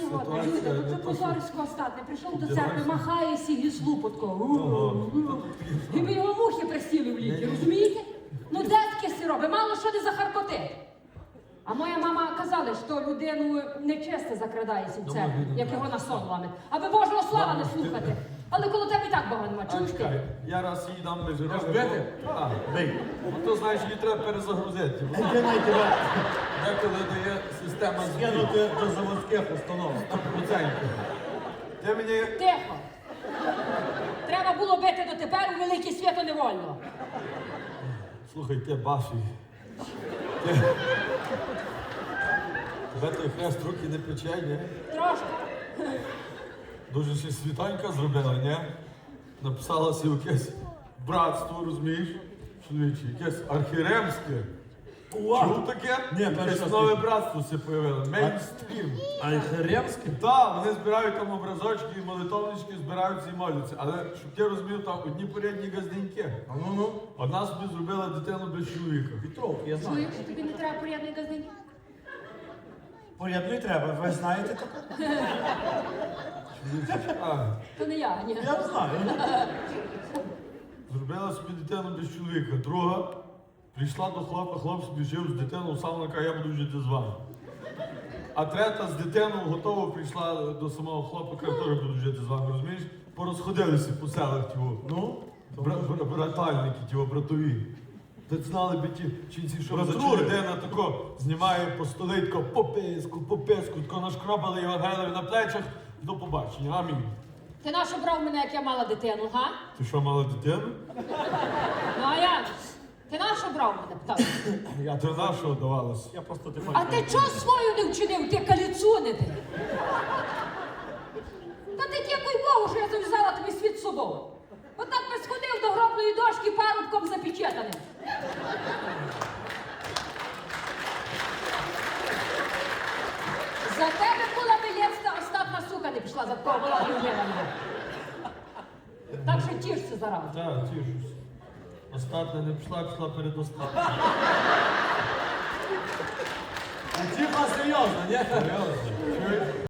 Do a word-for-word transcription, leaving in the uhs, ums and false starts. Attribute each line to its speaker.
Speaker 1: сьогодні,
Speaker 2: Ситуація
Speaker 1: чуєте,
Speaker 2: не
Speaker 1: ну це
Speaker 2: то,
Speaker 1: позорисько остатне. Прийшов до
Speaker 2: Вдягайся.
Speaker 1: церкви, махає сігі слупотко.
Speaker 2: Ага.
Speaker 1: І ми його мухи присіли в ліки, розумієте? Ну де таке сі робить? Мало що не захаркотить. А моя мама казала, що людину нечесте закрадається в церкві, як його на сон ламить. Аби Божого слава не слухати. Але коло тебе і так Бога нема,
Speaker 2: А
Speaker 1: чуєш
Speaker 2: чекай,
Speaker 1: ти?
Speaker 2: я раз їй дам лежи.
Speaker 3: Аж бити?
Speaker 2: Так.
Speaker 3: Бий.
Speaker 2: Ну то знаєш, її треба перезагрузити.
Speaker 3: Ти не тебе
Speaker 2: Деколи дає система збій.
Speaker 3: скинути до заводських установ.
Speaker 2: сто відсотків. Ти мені...
Speaker 1: Тихо. Треба було бити дотепер, у велике свято не вольно.
Speaker 2: Слухай, ти баший. Ти... Тебе той хрест руки не пече, ні?
Speaker 1: Трошки.
Speaker 2: Дуже ще світанька зробила, ні? Написала си якесь братство, розумієш? Чоловіче, якесь архіремське. Чув таке?
Speaker 3: Ні, перший
Speaker 2: якесь
Speaker 3: раз
Speaker 2: нове
Speaker 3: чую.
Speaker 2: братство все появило. Мейнстрім.
Speaker 3: А й Херемський?
Speaker 2: Так, вони збирають там образочки і молитовнички, збираються і моляться. Але щоб ти розумів, там одні порядні газденьки.
Speaker 3: А ну ну.
Speaker 2: Одна собі зробила дитину без чоловіка.
Speaker 3: Петровки, я знаю.
Speaker 1: Чуєш, тобі не треба порядний газдень?
Speaker 3: Порядний треба, ви знаєте таке?
Speaker 2: А,
Speaker 1: То не я, ні.
Speaker 3: Я знаю.
Speaker 2: зробила собі дитину без чоловіка. Друга прийшла до хлопа, хлоп собі жив з дитиною, сам каже, я буду жити з вами. А третя з дитиною готова прийшла до самого хлопа, каже, теж буду жити з вами, розумієш? Порозходилися по селах тього.
Speaker 3: Ну?
Speaker 2: Бра- бра- братальники, ті братові. Ти знали би ті чинці, що за
Speaker 3: Братрури.
Speaker 2: людина тако знімає по столі, тако по писку, по писку, тако нашкробали Євангелові на плечах. До побачення, амінь.
Speaker 1: Ти нащо брав мене, як я мала дитину, га?
Speaker 2: Ти що, мала дитину?
Speaker 1: Ну а я? Ти нащо брав мене, птах?
Speaker 3: Я
Speaker 2: Ти на що давалась?
Speaker 3: Я просто ти
Speaker 1: А ти чого свою не вчинив, ти каліцуни ти? Та ти дякуй Богу, що я зав'язала тобі світ з собою. Отак би сходив до гробної дошки парубком запечатаним. За тебе була білецька остатна сука не пішла, за такого була любила. Так що тішся зараз.
Speaker 2: Так, тішусь. Остатня не пішла, пішла перед остатньою.
Speaker 3: А типа серйозно, ні?
Speaker 2: Серйозно? Чуєш?